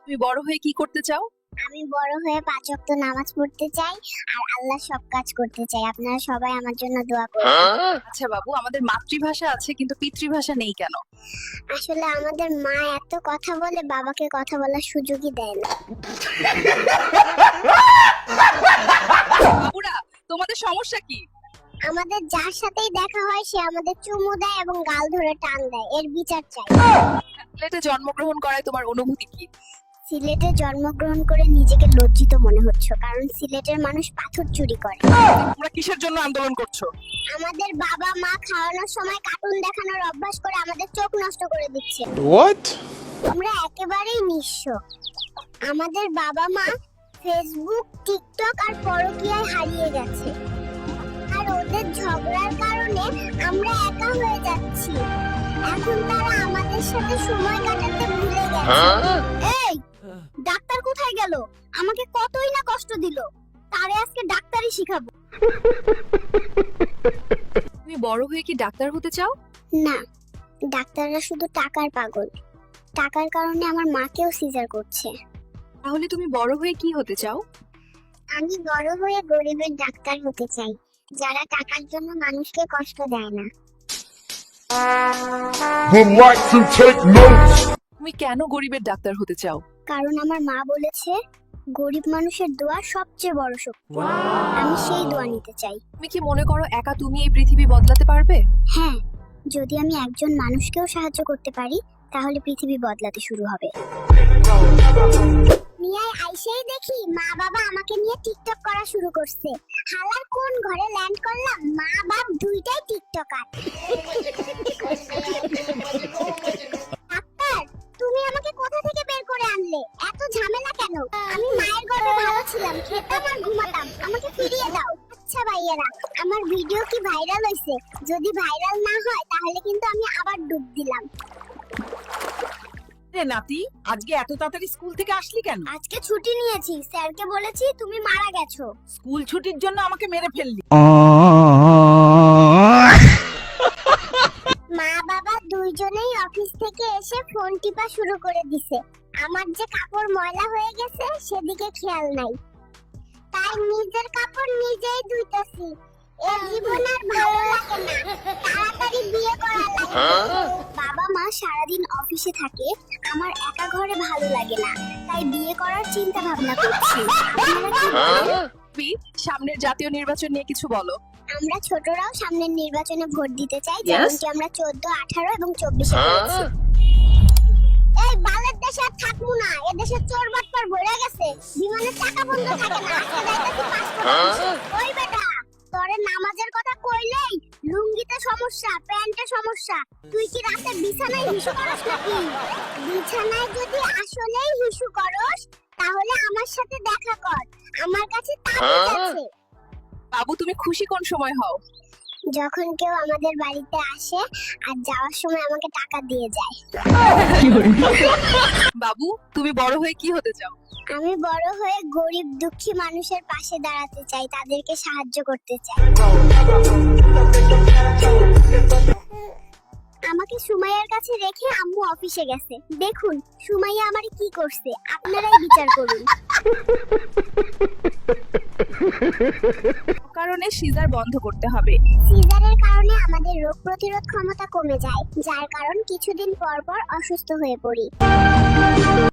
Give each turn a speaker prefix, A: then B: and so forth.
A: তুমি বড় হয়ে কি করতে চাও?
B: আমি বড় হয়ে 5 ওয়াক্ত নামাজ পড়তে চাই আর আল্লাহর সব কাজ করতে চাই। আপনারা সবাই আমার জন্য দোয়া করবেন।
A: আচ্ছা বাবু, আমাদের মাতৃভাষা আছে কিন্তু পিতৃভাষা নেই কেন?
B: আসলে আমাদের মা এত কথা বলে বাবাকে কথা বলার সুযোগই দেয় না।
A: বাবুরা, তোমাদের সমস্যা কি?
B: আমাদের যার সাথেই দেখা হয় সে আমাদের চুমু দেয় এবং গাল ধরে টান দেয়, এর বিচার চাই।
A: সিলেটে জন্মগ্রহণ করায় তোমার অনুভূতি কি?
B: সিলেটে জন্মগ্রহণ করে নিজেকে লজ্জিত মনে হচ্ছে, কারণ সিলেটের মানুষ পাথর চুরি করে।
A: তোমরা কিসের জন্য আন্দোলন করছো?
B: আমাদের বাবা মা খাওয়ানোর সময় কার্টুন দেখানোর অভ্যাস করে আমাদের চোখ নষ্ট করে দিচ্ছে।
C: What?
B: আমরা একেবারেই নিঃস্ব। আমাদের বাবা মা ফেসবুক, টিকটক আর পরকীয়ায় হারিয়ে গেছে, আর ওদের ঝগড়ার কারণে আমরা একা হয়ে যাচ্ছি। এখন তারা আমাদের সাথে সময় কাটাতে ভুলে গেছে। এই ডাক্তার কোথায় গেল? আমাকে কতই না কষ্ট দিল, তারে আজকে ডাক্তারি শিখাবো।
A: তুমি বড় হয়ে কি ডাক্তার হতে চাও?
B: না, ডাক্তাররা শুধু টাকার পাগল। টাকার কারণে আমার মাকেও সিজার করছে।
A: তাহলে তুমি বড় হয়ে কি হতে চাও?
B: আমি বড় হয়ে গরিবের ডাক্তার হতে চাই, যারা টাকার জন্য মানুষকে কষ্ট দেয় না।
C: Would like to take notes.
A: তুমি কেন গরিবের ডাক্তার হতে চাও?
B: কারণ আমার মা বলেছে গরিব মানুষের দোয়া সবচেয়ে বড় শক্তি। আমি সেই দোয়া নিতে চাই।
A: তুমি কি মনে করো একা তুমি এই পৃথিবী বদলাতে পারবে?
B: হ্যাঁ, যদি আমি একজন মানুষকেও সাহায্য করতে পারি তাহলে পৃথিবী বদলাতে শুরু হবে। নিয়ায় আইসেই দেখি মা বাবা আমাকে নিয়ে টিকটক করা শুরু করছে। হালার কোন ঘরে ল্যান্ড করলাম, মা বাপ দুইটাই টিকটকার। ডাক্তার, তুমি আমাকে কোথা থেকে বের করে আনলে? এত ঝামেলা কেন? আমি মায়ের গর্ভে ভালো ছিলাম, খেতাম আর ঘুমাতাম, আমাকে ফিরিয়ে দাও। আচ্ছা ভাইয়েরা, আমার ভিডিও কি ভাইরাল হইছে? যদি ভাইরাল না হয় তাহলে কিন্তু আমি আবার ডুব দিলাম।
D: রে নাতি, আজকে এত তাড়াতাড়ি স্কুল থেকে আসলি কেন?
B: আজকে ছুটি নিয়েছি, স্যারকে বলেছি তুমি মারা গেছো।
D: স্কুল ছুটির জন্য আমাকে মেরে ফেললি।
B: মা বাবা দুইজনেই অফিস থেকে এসে ফোন টিপা শুরু করে দিছে। আমার যে কাপড় ময়লা হয়ে গেছে সেদিকে খেয়াল নাই, তাই নিজের কাপড় নিজেই ধুইতেছি। এই জীবন আর ভালো লাগে না, তাড়াতাড়ি বিয়ে করা লাগে। বাবা মা সারাদিন অফিসে থাকে, আমার একা ঘরে ভালো লাগে না, তাই বিয়ে করার চিন্তা ভাবনা করছি। আপনারা কি বলেন?
A: তুমি সামনের জাতীয় নির্বাচন নিয়ে কিছু বলো।
B: আমরা ছোটরাও সামনের নির্বাচনে ভোট দিতে চাই, যেমনটি আমরা 14, 18 এবং 24 করেছি। এই বালের দেশে আর থাকবো না, এ দেশে চোর বাটপার ভরে গেছে, বিমানের চাকা বন্ধ থাকে না। আজকে যাইতাছি 5 টাকা। ওই বেটা, তোরে নামাজের কথা কইলেই লুঙ্গিতে সমস্যা, প্যান্টে সমস্যা। তুই কি রাতে বিছানায় হিসু করস নাকি? বিছানায় যদি আসলেই হিসু করস তাহলে আমার সাথে দেখা কর, আমার কাছে তাবিজ আছে।
A: বাবু, তুমি খুশি কোন সময় হও?
B: যখন কেউ আমাদের বাড়িতে আসে আর যাওয়ার সময় আমাকে টাকা দিয়ে যায়।
A: বাবু, তুমি বড় হয়ে কি হতে চাও?
B: আমি বড় হয়ে গরিব দুঃখী মানুষের পাশে দাঁড়াতে চাই, তাদেরকে সাহায্য করতে চাই। আমাকে সুমাইয়ার কাছে রেখে আম্মু অফিসে গেছে। দেখুন সুমাইয়া আমারে কি করছে, আপনারাই বিচার করুন।
A: কারণে সিজার বন্ধ করতে হবে।
B: সিজারের কারণে আমাদের রোগ প্রতিরোধ ক্ষমতা কমে যায়, যার কারণ কিছুদিন পর পর অসুস্থ হয়ে পড়ি।